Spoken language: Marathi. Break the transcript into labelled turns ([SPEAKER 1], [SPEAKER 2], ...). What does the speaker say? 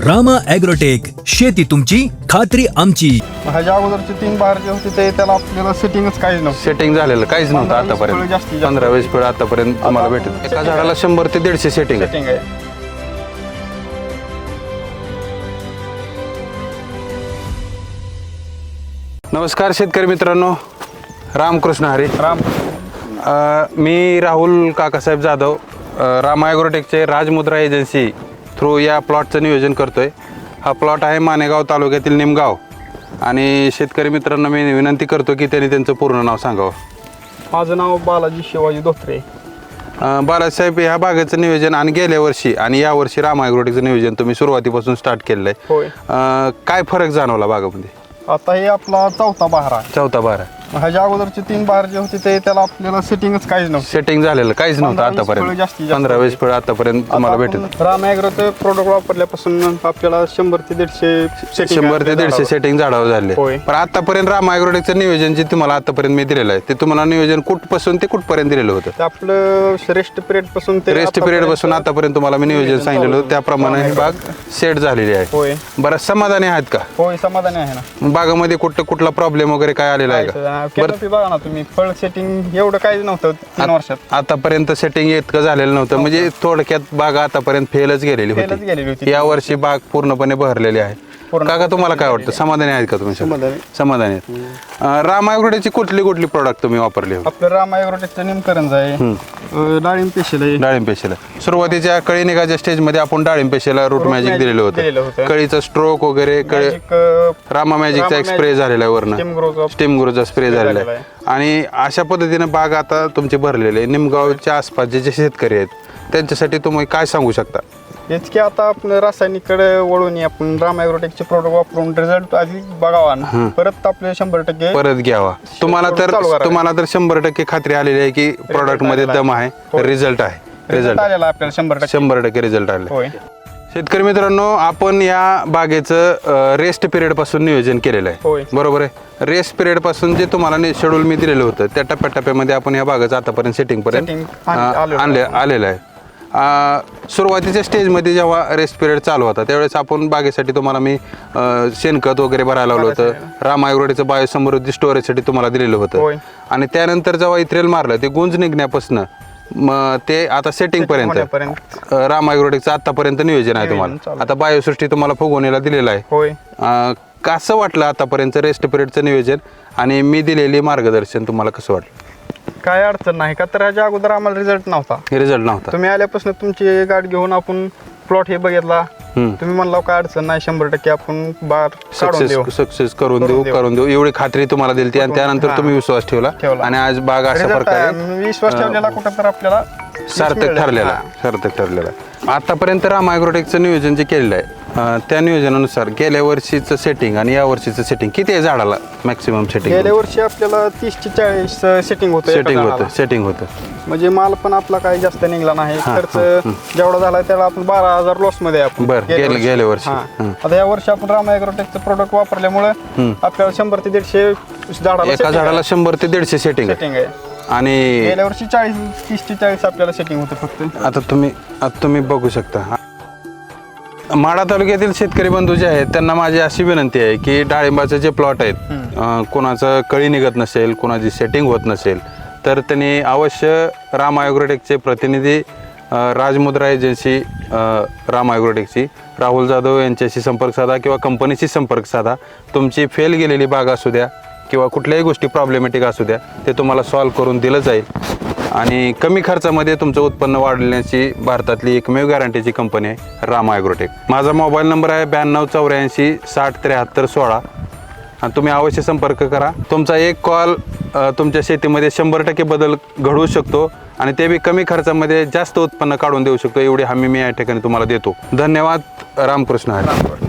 [SPEAKER 1] रामा ॲग्रोटेक, शेती तुमची खात्री आमची.
[SPEAKER 2] ह्याच्या अगोदरचे 3 बाहेर जे होते ते त्याला आपल्याला सेटिंगच काहीच नव्हतं.
[SPEAKER 3] सेटिंग झालेलं काहीच नव्हतं
[SPEAKER 2] 15-20
[SPEAKER 3] आतापर्यंत.
[SPEAKER 2] फळं जास्तीत जास्त.
[SPEAKER 3] 15-20 फळं आतापर्यंत तुम्हाला
[SPEAKER 2] आता
[SPEAKER 3] भेटत. एका
[SPEAKER 2] setting
[SPEAKER 3] झाडाला 100 ते 150 सेटिंग आहे.
[SPEAKER 2] सेटिंग आहे.
[SPEAKER 3] नमस्कार शेतकरी मित्रांनो, रामकृष्ण हरी.
[SPEAKER 2] राम
[SPEAKER 3] मी राहुल काकासाहेब जाधव, रामा ॲग्रोटेकचे राजमुद्रा एजन्सी थ्रू या प्लॉटचं नियोजन करतोय. हा प्लॉट आहे मानेगाव तालुक्यातील निमगाव. आणि शेतकरी मित्रांना मी विनंती करतो की त्यांनी त्यांचं पूर्ण नाव सांगावं.
[SPEAKER 2] माझं नाव बालाजी शिवाजी धोत्रे.
[SPEAKER 3] बालासाहेब, ह्या बागेचं नियोजन आणि गेल्या वर्षी आणि या वर्षी रामा ॲग्रोटेकचं नियोजन तुम्ही सुरुवातीपासून स्टार्ट केलेलं आहे.
[SPEAKER 2] होय.
[SPEAKER 3] काय फरक जाणवला बागामध्ये?
[SPEAKER 2] आता हे आपला 4था बहार आहे.
[SPEAKER 3] 4था बहार.
[SPEAKER 2] ह्याच्या अगोदरचे 3 बाहेर जे होते ते त्याला आपल्याला सेटिंगच काहीच नव्हतं.
[SPEAKER 3] सेटिंग झालेलं काहीच नव्हतं
[SPEAKER 2] 15-20 फळं
[SPEAKER 3] आतापर्यंत.
[SPEAKER 2] जास्तीत जास्त
[SPEAKER 3] 15-20 फळं आतापर्यंत तुम्हाला भेटत.
[SPEAKER 2] रामा ॲग्रोचे प्रोडक्ट वापरल्यापासून आपल्याला 100 ते 150
[SPEAKER 3] 100 ते 150 सेटिंग झाडावर झाले.
[SPEAKER 2] होय.
[SPEAKER 3] पण आतापर्यंत रामा ॲग्रोटेकचं नियोजन जे तुम्हाला आतापर्यंत मी दिलेलं आहे ते तुम्हाला नियोजन कुठपासून ते कुठपर्यंत दिलेलं होतं?
[SPEAKER 2] ते आपलं रेस्ट पिरियड पासून ते
[SPEAKER 3] रेस्ट पिरियड पासून आतापर्यंत तुम्हाला मी नियोजन सांगितलेलं होतं त्याप्रमाणे ही बाग सेट झालेली आहे.
[SPEAKER 2] होय.
[SPEAKER 3] बरं, समाधानी आहात का?
[SPEAKER 2] होय, समाधानी आहे ना.
[SPEAKER 3] बागामध्ये कुठला प्रॉब्लेम वगैरे काय आलेला आहे का?
[SPEAKER 2] कॅनोपी बघा ना तुम्ही, फळ सेटिंग एवढं काहीच नव्हतं 3 वर्षात.
[SPEAKER 3] आतापर्यंत सेटिंग इतकं झालेलं नव्हतं. म्हणजे थोडक्यात बाग आतापर्यंत फेलच गेलेली
[SPEAKER 2] फेलच गेलेली
[SPEAKER 3] होती.
[SPEAKER 2] होती.
[SPEAKER 3] या वर्षी बाग पूर्णपणे बहरलेली आहे.
[SPEAKER 2] पूर्ण
[SPEAKER 3] काका, तुम्हाला काय वाटतं? समाधानी आहेत का तुम्ही?
[SPEAKER 2] समाधानी.
[SPEAKER 3] समाधानी आहेत. रामा ॲग्रोटेकची कुठली प्रोडक्ट तुम्ही वापरले?
[SPEAKER 2] आपलं रामा ॲग्रोटेकचं निमकरंज आहे, डाळिंब पेशल आहे.
[SPEAKER 3] डाळिंब पेशेला सुरुवातीच्या कळी निघाच्या स्टेजमध्ये आपण डाळिंब पेशेला रूट मॅजिक दिलेलं
[SPEAKER 2] दिलेलं
[SPEAKER 3] होतं.
[SPEAKER 2] होतं.
[SPEAKER 3] कळीचा स्ट्रोक वगैरे रामा मॅजिकचा एक स्प्रे झालेला आहे वरनं. स्टीम ग्रोचा स्प्रे झालेला आहे. आणि अशा पद्धतीने बाग आता तुमची भरलेली आहे. निमगावच्या आसपास जे शेतकरी आहेत त्यांच्यासाठी तुम्ही काय सांगू शकता?
[SPEAKER 2] हेच की आता आपण रासायनिककडे वळून आपण रामा ॲग्रोटेकचे प्रोडक्ट वापरून रिझल्ट आधी बघावा ना, परत आपले 100%
[SPEAKER 3] परत घ्यावा. तुम्हाला तर 100% खात्री आलेली आहे की प्रॉडक्ट मध्ये दम आहे, रिझल्ट आहे.
[SPEAKER 2] रिझल्ट आलेला आपल्याला 100%.
[SPEAKER 3] 100% रिझल्ट आले.
[SPEAKER 2] होय.
[SPEAKER 3] शेतकरी मित्रांनो, आपण या बागेचं रेस्ट पिरियड पासून नियोजन केलेलं
[SPEAKER 2] होय.
[SPEAKER 3] आहे, बरोबर आहे. रेस्ट पिरियड पासून जे तुम्हाला शेड्यूल मी दिलेलं होतं त्या टप्प्याटप्प्यामध्ये आपण या बागेचं आतापर्यंत सेटिंग पर्यंत आलेलं आहे. सुरुवातीच्या स्टेजमध्ये जेव्हा रेस्ट पिरियड चालू होता त्यावेळेस आपण बागेसाठी तुम्हाला मी शेणखत वगैरे भरायला लावलं होतं. रामा ॲग्रोटेकचं बायोसमृद्धी स्टोरेजसाठी तुम्हाला दिलेलं होतं. आणि त्यानंतर जेव्हा इथ्रेल मारलं ते गुंज निघण्यापासून ते आता सेटिंग पर्यंत रामा ॲग्रोटेकचं आतापर्यंत नियोजन आहे तुम्हाला. आता बायोसृष्टी तुम्हाला फुगवणीला दिलेलं आहे.
[SPEAKER 2] होय.
[SPEAKER 3] कसं वाटलं आतापर्यंत रेस्ट पिरियडचं नियोजन आणि मी दिलेली मार्गदर्शन तुम्हाला कसं वाटलं?
[SPEAKER 2] काय अडचण नाही का, तर ह्याच्या अगोदर आम्हाला रिझल्ट नव्हता.
[SPEAKER 3] रिझल्ट नव्हता.
[SPEAKER 2] तुम्ही आल्यापासून तुमची गाडी घेऊन आपण प्लॉट हे बघितला. तुम्ही म्हणला काय अडचण नाही, 100% आपण बार
[SPEAKER 3] सक्सेस करून देऊ एवढी खात्री तुम्हाला दिली. आणि त्यानंतर तुम्ही विश्वास ठेवला आणि आज बाग अशा प्रकारे
[SPEAKER 2] विश्वास ठेवलेला कुठं तर आपल्याला
[SPEAKER 3] सार्थक ठरलेला. आतापर्यंत रामा ॲग्रोटेकचं नियोजन जे केलेलं आहे त्या नियोजनानुसार गेल्या वर्षीचं सेटिंग आणि या वर्षीचं सेटिंग किती आहे झाडाला मॅक्सिमम सेटिंग?
[SPEAKER 2] गेल्या वर्षी आपल्याला 30 ते 40 सेटिंग
[SPEAKER 3] होतं.
[SPEAKER 2] म्हणजे माल पण आपला काही जास्त निघला नाही. खर्च जेवढा झाला त्याला आपण 12,000 लॉस मध्ये आपण.
[SPEAKER 3] गेल्या वर्षी.
[SPEAKER 2] आता या वर्षी आपण रामा ॲग्रोटेकचं प्रोडक्ट वापरल्यामुळे आपल्याला 100 ते 150 झाडाला
[SPEAKER 3] एका झाडाला 100 ते 150 सेटिंग
[SPEAKER 2] आहे.
[SPEAKER 3] आणि
[SPEAKER 2] गेल्या वर्षी 30 ते 40 आपल्याला सेटिंग होतं फक्त.
[SPEAKER 3] आता तुम्ही बघू शकता. माढा तालुक्यातील शेतकरी बंधू जे आहेत त्यांना माझी अशी विनंती आहे की डाळिंबाचे जे प्लॉट आहेत कोणाचं कळी निघत नसेल, कोणाची सेटिंग होत नसेल तर त्यांनी अवश्य रामा ॲग्रोटेकचे प्रतिनिधी राजमुद्रा एजन्सी रामा ॲग्रोटेकची राहुल जाधव यांच्याशी संपर्क साधा किंवा कंपनीशी संपर्क साधा. तुमची फेल गेलेली बाग असू द्या किंवा कुठल्याही गोष्टी प्रॉब्लेमॅटिक असू द्या ते तुम्हाला सॉल्व्ह करून दिलं जाईल. आणि कमी खर्चामध्ये तुमचं उत्पन्न वाढवण्याची भारतातली एकमेव गॅरंटीची कंपनी आहे रामा ॲग्रोटेक. माझा मोबाईल नंबर आहे 9284 60 73 16. आणि तुम्ही अवश्य संपर्क करा. तुमचा एक कॉल तुमच्या शेतीमध्ये 100% बदल घडवू शकतो आणि ते बी कमी खर्चामध्ये जास्त उत्पन्न काढून देऊ शकतो. एवढी हमी मी या ठिकाणी तुम्हाला देतो. धन्यवाद. रामकृष्ण हरी.